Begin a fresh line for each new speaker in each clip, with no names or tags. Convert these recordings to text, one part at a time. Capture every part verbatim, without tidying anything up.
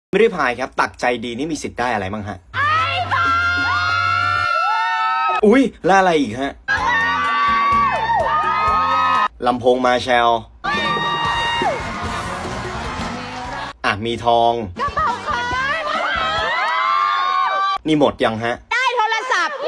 ไม่ได้พายครับตักใจดีนี่มีสิทธิ์ได้อะไรบ้างฮะอุ้ยแล้วอะไรอีกฮะลำโพงมาแชลอ่ะมีทองกระเป๋าคอนนี่หมดยังฮะ
ได้โทรศัพท์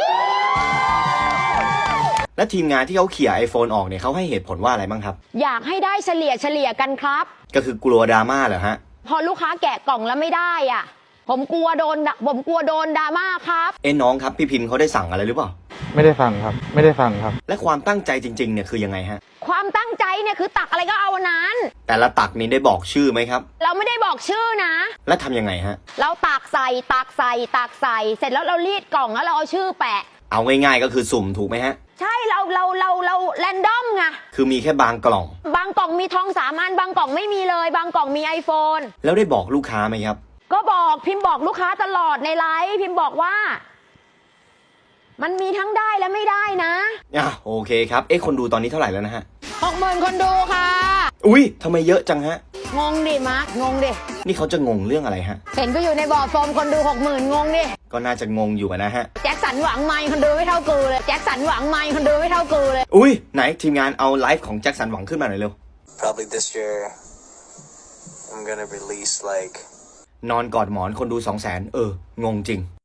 และทีมงานที่เขาเขี่ย ไอโฟน ออกเนี่ยเขาให้เหตุผลว่าอะไรบ้างครับ
อยากให้ได้เฉลี่ยเฉลี่ยกันครับ
ก็คือกลัวดราม่าเหรอฮะ
พอลูกค้าแกะกล่องแล้วไม่ได้อ่ะผมกลัวโดนผมกลัวโดนดราม่าครับ
เอ้น้องครับพี่พิมพ์เขาได้สั่งอะไรหรือเปล่า
ไม่ได้ฟังครับไม่ได้ฟังครับ
และความตั้งใจจริงๆเนี่ยคือยังไงฮะ
ความตั้งใจเนี่ยคือตักอะไรก็เอาอันนั้น
แต่ละตักนี้ได้บอกชื่อไหมครับ
เราไม่ได้บอกชื่อนะ
แล้วทำยังไงฮะ
เราตักใส่ตักใส่ตักใส่เสร็จแล้วเรารีดกล่องแล้วเราเอาชื่อแปะ
เอาง่ายๆก็คือสุ่มถูกไหมฮะ
ใช่เราเราเราเราแรนดอมไง
คือมีแค่บางกล่อง
บางกล่องมีทองสามอันบางกล่องไม่มีเลยบางกล่องมีไอโฟน
แล้วได้บอกลูกค้าไหมครับ
ก็บอกพิมพ์บอกลูกค้าตลอดในไลฟ์พิมพ์บอกว่ามันมีทั้งได้และไม่ได้นะ
อ่ะโอเคครับเอ๊ะคนดูตอนนี้เท่าไหร่แล้วนะฮะ
หกหมื่นคนดูค่ะ
อุ้ยทำไมเยอะจังฮะ
งงดิมาร์คงงดิ
นี่เขาจะงงเรื่องอะไรฮะ
เห็นก็อยู่ในบอร์ดโฟมคนดูหกหมื่นงงดิ
ก็น่าจะงงอยู่นะฮะ
แจ็คสันหวังไมค์คนดูไม่เท่ากูเลยแจ็คสันหวังไมค์คนดูไม่เท่ากูเลย
อุ้ยไหนทีมงานเอาไลฟ์ของแจ็คสันหวังขึ้นมาหน่อยเร็ว
Probably this year I'm gonna release like
นอนกอดหมอนคนดูสองแสนเอองงจริง